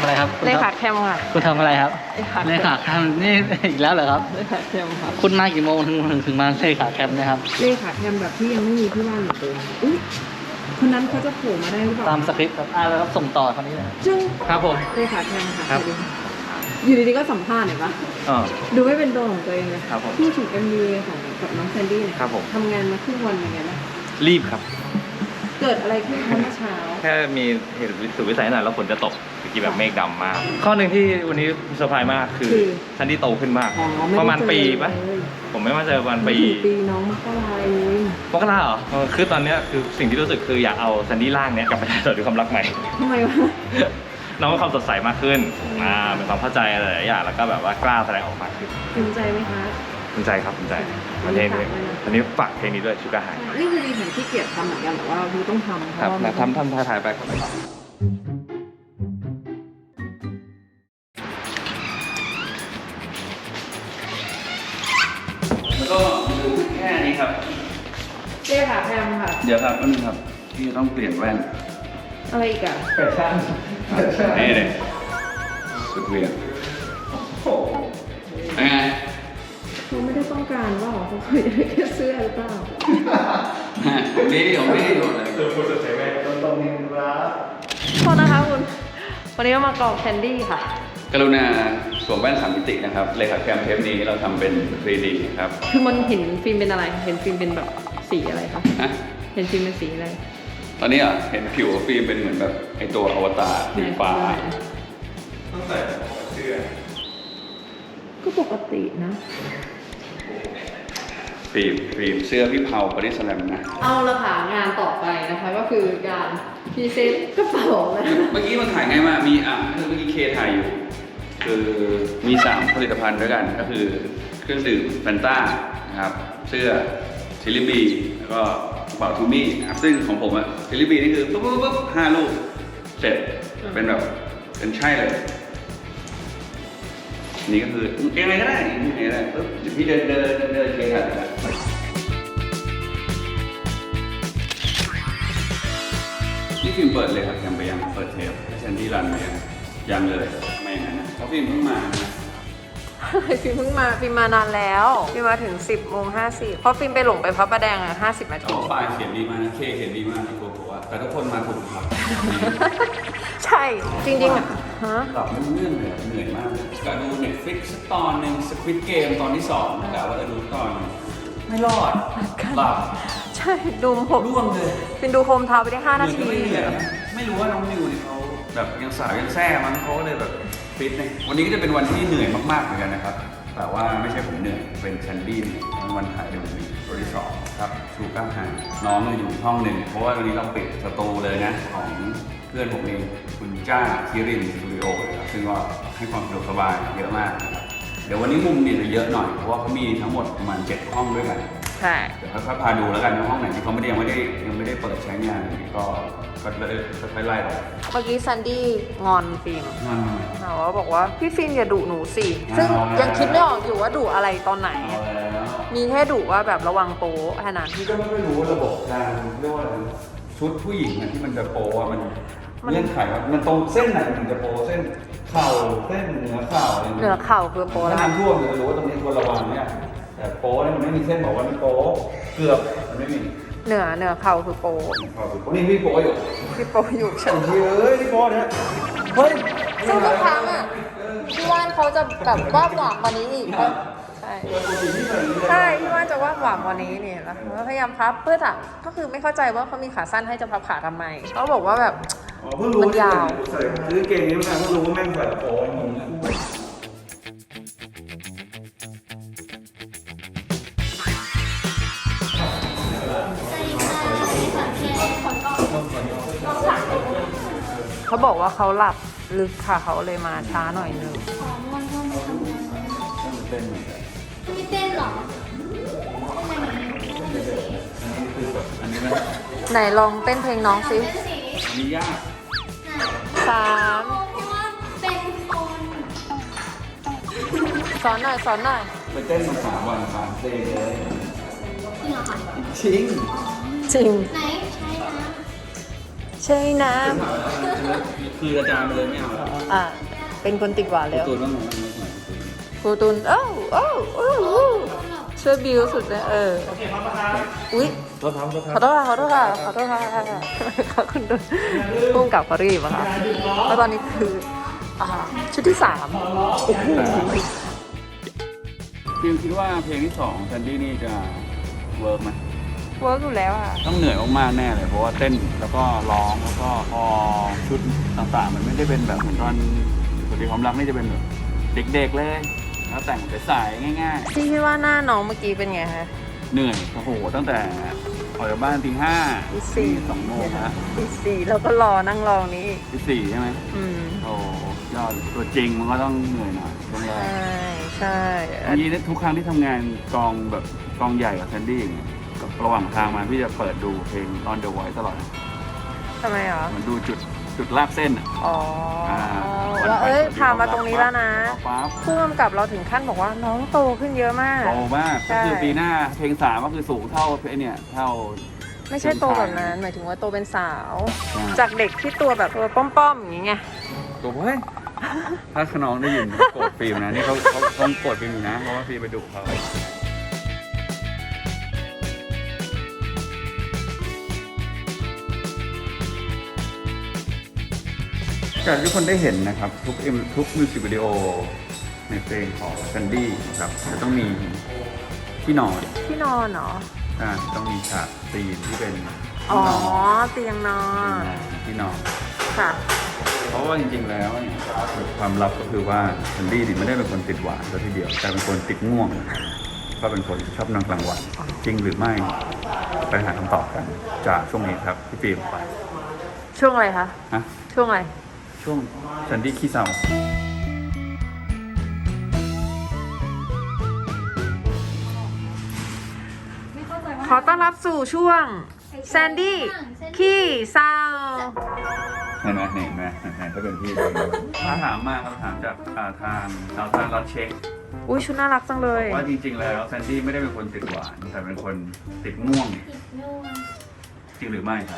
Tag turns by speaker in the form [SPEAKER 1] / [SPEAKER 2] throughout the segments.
[SPEAKER 1] อะไรครับ
[SPEAKER 2] เลขาแคมค่ะ
[SPEAKER 1] คุณทำอะไรครับเลขาแคมนี่อีกแล้วเหรอครับ
[SPEAKER 2] เลขาแคมค่ะ
[SPEAKER 1] คุณมากี่โมงถึงมาเลขาแคมนะครับ
[SPEAKER 2] เลขาแคมแบบที่ยังไม่มีที่บ้านอยู่เลยอุ้ยคนนั้นเขาจะโผล่มาได้หรือเปล่า
[SPEAKER 1] ตามสคริปต์ครับแล้วครับส่งต่อคนนี้เลย
[SPEAKER 2] จึง
[SPEAKER 1] ครับผม
[SPEAKER 2] เลขาแคมค่ะ
[SPEAKER 1] ครับ
[SPEAKER 2] อยู่ดีๆก็สัมภาษณ์เห็นปะ
[SPEAKER 1] อ๋อ
[SPEAKER 2] ดูไม่เป็นตัวของตัวเองเลย
[SPEAKER 1] ครับผม
[SPEAKER 2] พูดถึง MV ของกับน้องแซนดี้เนี่ย
[SPEAKER 1] ครับผม
[SPEAKER 2] ทำงานมาครึ่งวันยังไงบ้าง
[SPEAKER 1] รีบครับ
[SPEAKER 2] เกิดอะไรขึ้นเมื่อเช้า
[SPEAKER 3] แค่มีเหตุสุดวิสัยหน่อยแล้วฝนจะตกเมื่อกี้แบบเมฆดำมากข้อหนึ่งที่วันนี้เซอร์ไพรส์มากคือทันที่โตขึ้นมากประมาณปีปะผมไม่ว่าจะประมาณ
[SPEAKER 2] ปีน้องมกราเอง
[SPEAKER 3] มกราเหรอคือตอนนี้คือสิ่งที่รู้สึกคืออยากเอาซันดี้ล่างเนี้ยกลับไปสดด้วยความรักใหม่
[SPEAKER 2] ทำไมวะ
[SPEAKER 3] น้องมีความสดใสมากขึ้นเป็นความเข้าใจอะไรหลายอย่างแล้วก็แบบว่ากล้าแสดงออกมาขึ้น
[SPEAKER 2] ภูมิใจไหมคะ
[SPEAKER 3] ภูมิใจครับภูมิใจประเทศนี้อันนี้ฝากเพลงนี้ด้วยชูการ์ไฮ
[SPEAKER 2] นี่คือดีเห็นที่เกียรติทำเหมือนกันแต่ว่าคือต้องทำ
[SPEAKER 3] ครับทำถ่ายไปครับแล้วก็ดูแค่นี้ครับ
[SPEAKER 2] เจ๊ค่ะแพมค่ะ
[SPEAKER 3] เดี๋ยวครับนี่ครับพี่ต้องเปลี่ยนแว่น
[SPEAKER 2] อะไรอีกอะ
[SPEAKER 1] แฟชั่น
[SPEAKER 3] นี่เลยสุดเวียนโอ้เป็นไง
[SPEAKER 2] เขาไม่ได้ต้องการว่าเขาเคยได้แค่เสื้อหรือเปล่า
[SPEAKER 3] ผมไม่ได้หมดเลย
[SPEAKER 1] คือคุณจะใช้แว่นตรงนี้ครับ
[SPEAKER 2] โทษนะคะคุณวันนี้มากรอกแคนดี้ค่ะ
[SPEAKER 3] กรุณาสวมแว่น3 มิตินะครับเลขาแคมเทปนี้เราทำเป็น 3D ครับ
[SPEAKER 2] คือมันเห็นฟิล์มเป็นอะไรเห็นฟิล์มเป็นแบบสีอะไรคะเห็นฟิล์มเป็นสีอะไร
[SPEAKER 3] ตอนนี้เห็นผิวฟิล์มเป็นเหมือนแบบไอตัวอวตารสีฟ้าต้องใส่เสื้อ
[SPEAKER 2] ก็ปกตินะ
[SPEAKER 3] ฟิล์มเสื้อพี่เผาปริสแลมนะ
[SPEAKER 2] เอาละค่ะงานต่อไปนะคะก็คือการพรีเซนต์กระเป๋านะ
[SPEAKER 3] เมื่อกี้มันถ่ายง่ายมากมีเมื่อกี้เคถ่ายอยู่คือมี3ผลิตภัณฑ์ด้วยกันก็คือเครื่องดื่มแฟนต้านะครับเสื้อชิลลี่บีแล้วก็กระเป๋าทูมี่นะครับซึ่งของผมชิลลี่บีนี่คือปุ๊บ5 ลูกเสร็จเป็นแบบเป็นใช่เลยนี่ก็คือยังไงก็ได้ยังไงก็ได้ปุ๊บเดี๋ยวพี่เดินเคถ่ายแล้วนี่ฟิล์มเปิดเลยครับยังไปยังเปิดเทปแซนดี้รันไปยังเลยไม่อย่างนั้นนะเพราะฟิล์มเพิ่งมา
[SPEAKER 2] ฟิล์มมานานแล้วฟิล์มมาถึง 10:50เพราะฟิล์มไปหลงไปพระประแดง50 นาที
[SPEAKER 3] ป้ายเขียนดีมากนะเคเขียนดีมากนะโกโก้แต่ทุกคนมาถูกครับ
[SPEAKER 2] ใช่จริงๆ
[SPEAKER 3] หลับไม่เนื่องเลยเหนื่อยมากกะดู Netflix สักตอนหนึ่ง Squid Game ตอนที่2กะว่าจะดูตอนไม่รอดหลับ
[SPEAKER 2] ใช่ดูผม
[SPEAKER 3] ร่วงเลย
[SPEAKER 2] เป็นดูโฮมทาวน์ไปได้5 นาที
[SPEAKER 3] ไม่รู้ว่าน้องนิวเนี่ยเขาแบบยังสาวยังแซ่มั้งเขาเลยแบบฟิตเนี่ยวันนี้ก็จะเป็นวันที่เหนื่อยมากๆเหมือนกันนะครับแต่ว่าไม่ใช่ผมเหนื่อยเป็นแซนดี้วันถ่ายเดบิวต์ตัวที่2ครับชูก้าไฮน้องอยู่ห้องหนึ่งเพราะว่าวันนี้เราปิดสตูเลยนะของเพื่อนผมเองคุณจ้าคิรินสตูดิโอนะครับซึ่งก็ให้ความสะดวกสบายเยอะมากนะครับเดี๋ยววันนี้มุมเนี่ยจะเยอะหน่อยเพราะว่าเขามีทั้งหมดประมาณ7 ห้องด้วยกัน
[SPEAKER 2] ใช่
[SPEAKER 3] เดี๋ยวค่อยๆพาดูแล้วกันว่าห้องไหนที่เขายังไม่ได้เปิดใช้งานก็เลยค่อยๆไล่ไป
[SPEAKER 2] เมื่อกี้ซันดี้งอนฟิล์มบอกว่าพี่ฟิล์มอย่าดุหนูสิซึ่งยังคิดไม่ออกอยู่ว่าดุอะไรตอนไหนมีแค่ดุว่าแบบระวังโป๊ะแค่นั้น
[SPEAKER 3] พี่ก็ไม่รู้ระบบการเรียกว่าอะไรชุดผู้หญิงที่มันจะโป๊ะมันเงื่อนไขว่ามันตรงเส้นไหนถึงจะโป๊ะเส้นเข่าเส้นเหนือเข่า
[SPEAKER 2] คือโป๊ะแล้ว
[SPEAKER 3] น้ำท่วมจะรู้ว่าตรงนี้ควรระวังเนี่ยแต่โป๊ะเนี่ยมันไม่มีเส้นบอกว่ามันโป๊ะเกือบมันไม่มี
[SPEAKER 2] เหนือเข่าคือโป๊ะ
[SPEAKER 3] นี่พี่โป๊ะอยู่
[SPEAKER 2] ใช่
[SPEAKER 3] พี่โป๊ะเนี่ย
[SPEAKER 2] ซึ่งทุกครั้งพี่ว่านเขาจะแบบว่าหวังวันนี้อีกใช่พี่ว่านจะว่าหวังวันนี้เนี่ยแล้วพยายามพับเพื่อก็คือไม่เข้าใจว่าเขามีขาสั้นให้จะพับขาทำไมเขาบอกว่าแบบมันยาว
[SPEAKER 3] ซื้อเกงนี้มาเพิ่งรู้ว่าแม่งใส่โป๊ะ
[SPEAKER 2] เขาบอกว่าเขาหลับลึกค่ะเขาเลยมาช้าหน่อยนึง
[SPEAKER 4] ไม่เต้นหรอ
[SPEAKER 2] ไหนลองเต้นเพลงน้องซิ
[SPEAKER 3] มียาก
[SPEAKER 2] 3สอนหน่อย
[SPEAKER 3] ไปเต้นมา3 วัน3 เพลงเลย
[SPEAKER 4] จริงเหรอคะ
[SPEAKER 3] จริง
[SPEAKER 2] ไหนใช่นะใช่น้
[SPEAKER 3] คืออาจารย์ไปเลยไม่เอา
[SPEAKER 2] ำเป็นคนติดหวานแล้ว
[SPEAKER 3] ตัวต้องหน่อย
[SPEAKER 2] ครูตุนโอ้ช่วยบิวสุดเลยอุ๊ย
[SPEAKER 3] ตัวเท้า
[SPEAKER 2] ขอโทษค่ะคุณตุนพุ่งกลับเขารีบอะค่ะแล้วตอนนี้คือชุดที่3โอ้โห
[SPEAKER 3] ฟิล์มคิดว่าเพลงที่2แซนดี้นี่จะเวิร์กไหม
[SPEAKER 2] เวิร์กอยู่แล้วอะ
[SPEAKER 3] ต้องเหนื่อยมากๆแน่เลยเพราะว่าเต้นแล้วก็ร้องแล้วก็พอชุดต่างๆ มันไม่ได้เป็นแบบเหมือนตอนปกติความรักนี่จะเป็นแบบเด็กๆเลยแล้วแต่งใสๆง่าย
[SPEAKER 2] พี่คิดว่าหน้าน้องเมื่อกี้เป็นไงคะ
[SPEAKER 3] ๆ เหนื่อยโอ้โหตั้งแต่ออกจากบ้านตี 5
[SPEAKER 2] ตีสี่
[SPEAKER 3] 2 โมงฮะ
[SPEAKER 2] ตี4แล้วก็นั่งรอนี้อีก
[SPEAKER 3] ตี 4ใช่ไหม โอ้ยอดตัวจริงมันก็ต้องเหนื่อยหน่อยช่วงแร
[SPEAKER 2] ใช่
[SPEAKER 3] กทีนี้ทุกครั้งที่ทำงานกองแบบกองใหญ่กับแซนดี้อย่างเงี้ยกับระหว่างทางมาพี่จะเปิดดูเพลง On the Voice ตลอด
[SPEAKER 2] ทำไมเหรอ
[SPEAKER 3] มันดูจุดลากเส้นอ่ะ
[SPEAKER 2] อ๋อ
[SPEAKER 3] วัน
[SPEAKER 2] ว่า
[SPEAKER 3] ไป
[SPEAKER 2] พามาตรงนี้แล้วนะ
[SPEAKER 3] ปั๊บ
[SPEAKER 2] ผู้กำกับเราถึงขั้นบอกว่าน้องโตขึ้นเยอะมาก
[SPEAKER 3] โตมาก
[SPEAKER 2] ใช่
[SPEAKER 3] ก็คือปีหน้าเพลง3ก็คือสูงเท่าเพลงเนี่ยเท่า
[SPEAKER 2] ไม่ใช่โตแบบนั้น หมายถึงว่าโตเป็นสาว
[SPEAKER 3] ใช่
[SPEAKER 2] จากเด็กที่ตัวแบบตัวป้อมๆอย่างเงี้ย
[SPEAKER 3] ตัวเฮ้ยถ้าขน้องได้ยินโกรธฟิล์มนะนี่เขาโกรธฟิล์มอยู่นะเพราะว่าฟิล์มไปดุเขาจากที่ทุกคนได้เห็นนะครับทุกมิวสิกวิดีโอในเพลงของแซนดี้นะครับจะต้องมีที่นอน
[SPEAKER 2] ที่นอนเหรอ
[SPEAKER 3] ต้องมีฉากซีนที่เป็น
[SPEAKER 2] อ๋
[SPEAKER 3] ที่
[SPEAKER 2] อน
[SPEAKER 3] อน
[SPEAKER 2] เตียงนอน
[SPEAKER 3] ที่นอน
[SPEAKER 2] ค่ะ
[SPEAKER 3] เพราะว่าจริงๆแล้วเนี่ยความลับก็คือว่าแซนดี้นี่ไม่ได้เป็นคนติดหวานซะทีเดียวแต่เป็นคนติดง่วงก็เป็นคนชอบนอนกลางวันจริงหรือไม่ไปหาคำตอบกันจากช่วงนี้ครับพี่ฟิล์มไป
[SPEAKER 2] ช่วงอะไรคะ
[SPEAKER 3] ฮะ
[SPEAKER 2] ช่วงอะไร
[SPEAKER 3] ช่วงแซนดี้ขี้เศร้า
[SPEAKER 2] ขอต้อนรับสู่ช่วงแซนดี้ขี้เศร้า
[SPEAKER 3] เห็นไหมถ้าเป็นพี่ถ้าถามมาคำถามจากทางสาวทานรัดเช็ค
[SPEAKER 2] อุ้ยชุดน่ารักจังเลย
[SPEAKER 3] ว่าจริงๆแล้วแซนดี้ไม่ได้เป็นคนติดหวานแต่เป็นคนติดง่วงจริงหรือไม่ครับ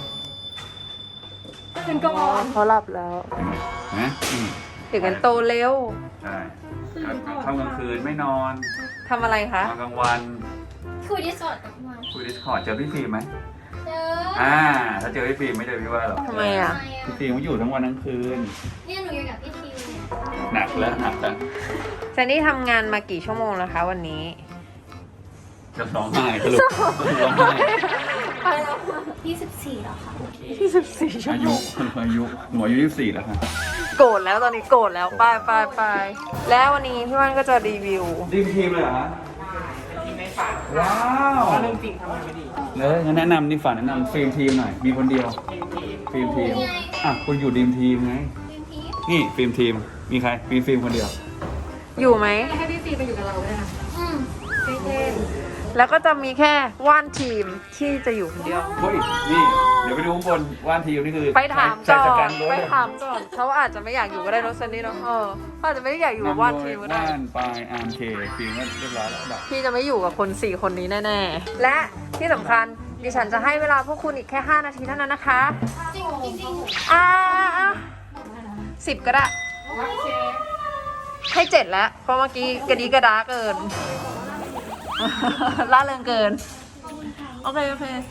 [SPEAKER 2] เขาหลับแล้ว
[SPEAKER 3] เห็นไหมอืม
[SPEAKER 2] เด็กกันโตเร็ว
[SPEAKER 3] ใช่เข้ากลางคืนไม่นอน
[SPEAKER 2] ทำอะไรคะ
[SPEAKER 3] นอนกลางวัน
[SPEAKER 4] คุยดิสอดกับมัน
[SPEAKER 3] คุยดิสคอร์ดเจอพี่ฟิล์มไหม
[SPEAKER 4] เจอ
[SPEAKER 3] ถ้าเจอพี่ฟิล์มไม่เจอพี่ว่าหรอก
[SPEAKER 2] ทำไมอ่ะ
[SPEAKER 3] พี่ฟิล์มเขาอยู่ทั้งวันทั้งคืน
[SPEAKER 4] เนี่ยหนูอยู่กับพี่ทิวเนี่ย
[SPEAKER 3] หนักแล้ว
[SPEAKER 2] แซนดี้ทำงานมากี่ชั่วโมงแล้วคะวันนี้
[SPEAKER 3] จะร้องไห้สรุปร้องไห้
[SPEAKER 4] 24แล้วค่ะ
[SPEAKER 2] 24ชั่ว
[SPEAKER 3] อา
[SPEAKER 2] โม
[SPEAKER 3] ยุ
[SPEAKER 2] ง
[SPEAKER 3] หนูอายุ24แล้วค่ะ
[SPEAKER 2] โกรธแล้วตอนนี้โกรธแล้วไปแล้ววันนี้พี่ว่านก็จะรีวิว
[SPEAKER 3] ดีมทีมเลยเหรอฮะทีมในฝันว้าวเรื่องจริงทำไมไม่ดีเลยงั้นแนะนำนี่ฝันแนะนำฟิล์มทีมหน่อยมีคนเดียวฟิล์มทีมคุณอยู่ดีมทีมไง
[SPEAKER 4] เป็นพีฟ
[SPEAKER 3] นี่ฟิล์มทีมมีใครมีฟิล์มคนเดียว
[SPEAKER 2] อยู่ไหม
[SPEAKER 4] อืม
[SPEAKER 2] แล้วก็จะมีแค่ว่านทีมที่จะอยู่คนเดียว
[SPEAKER 3] เฮ้ยนี่เดี๋ยวไปดูข้างบนว่านทีมนี่คือ
[SPEAKER 2] ไปถาม
[SPEAKER 3] ใส่
[SPEAKER 2] ก่อ
[SPEAKER 3] สแก
[SPEAKER 2] น
[SPEAKER 3] รถ
[SPEAKER 2] ไป
[SPEAKER 3] เลย
[SPEAKER 2] ถามก่อนเขาอาจจะไม่อยากอยู่ก็ได้เนอะซันนี่เนอะเขาอาจจะไม่ได้อยากอยู่กับว่านทีมก็ได้
[SPEAKER 3] ว่านปลายอาร์มเคฟิล์มก็เรียบร้อยแล้วดับ
[SPEAKER 2] พี่จะไม่อยู่กับคน4คนนี้แน่ๆ และที่สำคัญดิฉันจะให้เวลาพวกคุณอีกแค่5นาทีเท่านั้นนะคะ
[SPEAKER 4] จริงจริง
[SPEAKER 2] 10ก็ได้ ให้7แล้ว เพราะเมื่อกี้กระดีกระดาเกิน ล่าเริงเกิน โอเค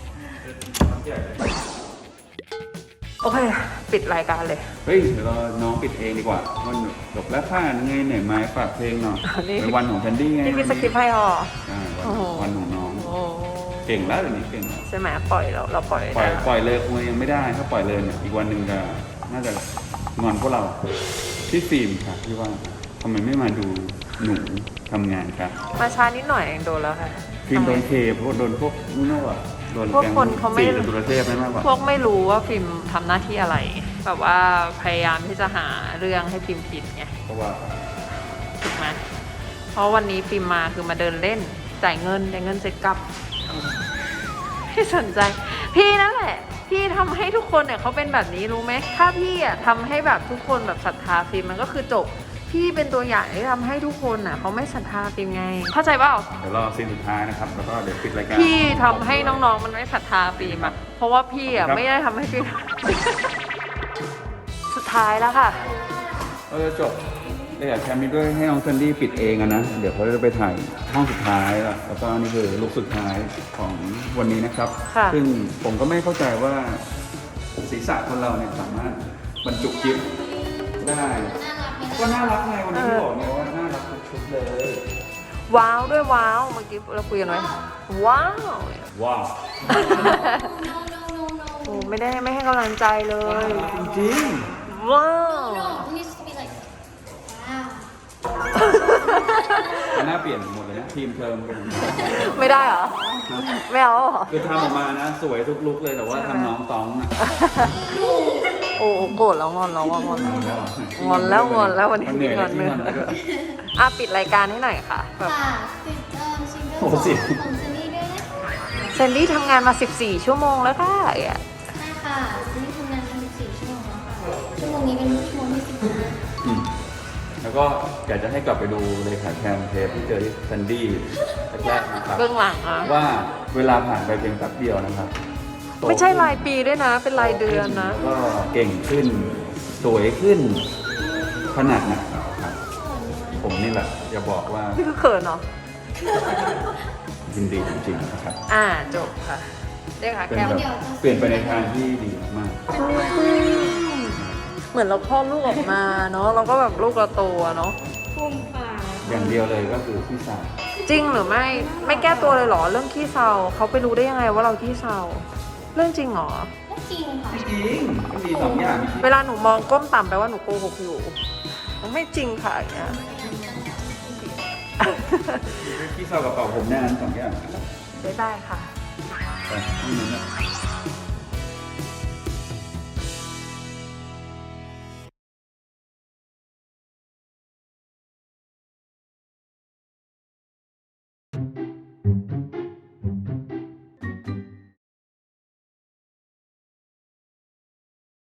[SPEAKER 2] โอเค ปิดรายการเลย
[SPEAKER 3] เฮ้ยเดี๋ยวเราน้องปิดเองดีกว่าวันจบแล้วค่ะยังไงเหนื่อยไหมฝากเพลงหน่อย
[SPEAKER 2] นี่
[SPEAKER 3] เป็นวันของแซนดี้ไง
[SPEAKER 2] นี่พี่สคริปต์ให้หรอ
[SPEAKER 3] ใช่วัน
[SPEAKER 2] โอ้โห
[SPEAKER 3] วันของน้อง
[SPEAKER 2] โอ้
[SPEAKER 3] เก่งแล้วเดี๋ยวนี้เก่งแล้ว
[SPEAKER 2] ใช่ไหมปล่อยเราปล่อย
[SPEAKER 3] ปล่อย
[SPEAKER 2] ได้
[SPEAKER 3] ปล่อยเลยคงยังไม่ได้ ถ้าปล่อยเลยเนี่ยอีกวันหนึ่งจะน่าจะงอนพวกเราพี่ฟิล์มครับพี่ว่าทำไมไม่มาดูหนูทำงานครับ
[SPEAKER 2] มาช้านิดหน่อยเองโดนแล้วค่ะ
[SPEAKER 3] ฟิล์มโดนเคเพราะโดนพวกนู่นน่ะโดน
[SPEAKER 2] พวก
[SPEAKER 3] แก๊ง
[SPEAKER 2] คนเขาไม่
[SPEAKER 3] สี่จตุรเทพไม่มากกว่า
[SPEAKER 2] พวกไม่รู้ว่าฟิล์มทำหน้าที่อะไร แบบว่าพยายามที่จะหาเรื่องให้ฟิล์มผิดไง
[SPEAKER 3] เพราะว่า
[SPEAKER 2] ถูกไหมเพราะวันนี้ฟิล์มมาคือมาเดินเล่นจ่ายเงินเสร็จกลับไม่สนใจ พี่นั่นแหละ พี่ทำให้ทุกคนเนี่ยเขาเป็นแบบนี้รู้ไหมถ้าพี่อ่ะทำให้แบบทุกคนแบบศรัทธาฟิล์มมันก็คือจบ พพี่เป็นตัวอย่างที่ทำให้ทุกคนน่ะเขาไม่ศรัทธาฟิล์มไง เข้าใจเปล่า
[SPEAKER 3] เดี๋ยวรอซีนสุดท้ายนะครับ แล้วก็เดี๋ยวปิดรายการ
[SPEAKER 2] พี่ทำให้น้องๆมันไม่ศรัทธาฟิล์มอะเพราะว่าพี่อะไม่ได้ทำให้ฟิล์ม สุดท้ายแล้วค่ะ
[SPEAKER 3] เราจะจบเลยอยากแคมป์นี้ด้วยให้น้องแซนดี้ปิดเองอะนะ เดี๋ยวเขาจะไปถ่ายห้องสุดท้ายแล้วก็นี่คือลุคสุดท้ายของวันนี้นะครับ
[SPEAKER 2] ค่ะ
[SPEAKER 3] ซึ่งผมก็ไม่เข้าใจว่าศีรษะคนเราเนี่ยสามารถบรรจุกิฟต์ได้ ก็น่ารักไงวันนี้ที่บอกไงว่าน่ารักทุกชุดเลย
[SPEAKER 2] ว้าวด้วยว้าวเมื่อกี้เราคุยกันไว้ว้าว
[SPEAKER 3] ว้าว
[SPEAKER 2] โอ้ไม่ให้กำลังใจเลย
[SPEAKER 3] จริง
[SPEAKER 2] ว้าว
[SPEAKER 4] No, it needs to be like, wow.
[SPEAKER 3] ๆหน้าเปลี่ยนหมดเลยนะทีมเทอมเป็น
[SPEAKER 2] ไม่ได้เหรอ ไม่เอาเหรอ
[SPEAKER 3] คือทำออกมานะสวยทุกลุกเลยแต่ว่าทำน้องต้องอะ
[SPEAKER 2] โอ้โกรธแล้วงอนแล้วงอนแล้ววันนี้
[SPEAKER 3] มันเหนื่อย
[SPEAKER 2] งอน
[SPEAKER 3] ที่
[SPEAKER 2] เนื้
[SPEAKER 3] มันแล้วก็
[SPEAKER 2] อ่ะปิดรายการให้หน่อยค่ะแบบ
[SPEAKER 4] ค่ะปิดซิงเกิล
[SPEAKER 3] โอ้โหสิ
[SPEAKER 4] ของเซนนี่ด้วยนะ
[SPEAKER 2] เซนดี้ทำงานมา 14 ชั่วโมงแล้วค่ะ
[SPEAKER 4] ใช่ค่ะเซนนี่ทำงานกัน14 ชั่วโมงแล้วค่ะ ชั่วโมงนี้เป็นชั่วโมงที่15
[SPEAKER 3] อืมแล้วก็อยากจะให้กลับไปดูเลยค่ะแคมเทปที่เจอที่ซันดี้แรกๆนะครับ
[SPEAKER 2] เบื้องหลังอ่ะ
[SPEAKER 3] ว่าเวลาผ่านไปเพียงแป๊บเดียวนะครับโต
[SPEAKER 2] ไม่ใช่รายปีด้วยนะ เป็นรายเดือนนะ
[SPEAKER 3] แล้วก็เก่งขึ้น สวยขึ้นขนาดไหนครับ ผมนี่แหละจะบอกว่า
[SPEAKER 2] นี่คือเขินเนาะ
[SPEAKER 3] ยินดีจริงๆนะครับ
[SPEAKER 2] จบค่ะเรียกค่ะ
[SPEAKER 3] เป็น
[SPEAKER 2] แก้ม
[SPEAKER 3] แบบเปลี่ยนไปในทางที่ดีมาก
[SPEAKER 2] เหมือนเราคลอดลูกออกมาเนาะเราก็แบบลูกเราโตอะเนาะ
[SPEAKER 3] ๆอย่างเดียวเลยก็คือพี่สาว
[SPEAKER 2] จริงหรือไม่แก้ตัวเลยเหรอเรื่องขี้เศร้าเขาไปรู้ได้ยังไงว่าเราขี้เศร้าเรื่องจริงเหรอ
[SPEAKER 4] ก็จริงค่ะ
[SPEAKER 3] จริงก็มีสองอย่าง
[SPEAKER 2] เวลาหนูมองก้มต่ำแปลว่าหนูโกหกอยู่มันไม่จริงค่ะอย่างเงี้ย
[SPEAKER 3] พี่สาวกับเป่าผมแน่นั้นสองอย่าง
[SPEAKER 2] บ๊ายบายค่ะ
[SPEAKER 3] ไปห้องนั้นนะ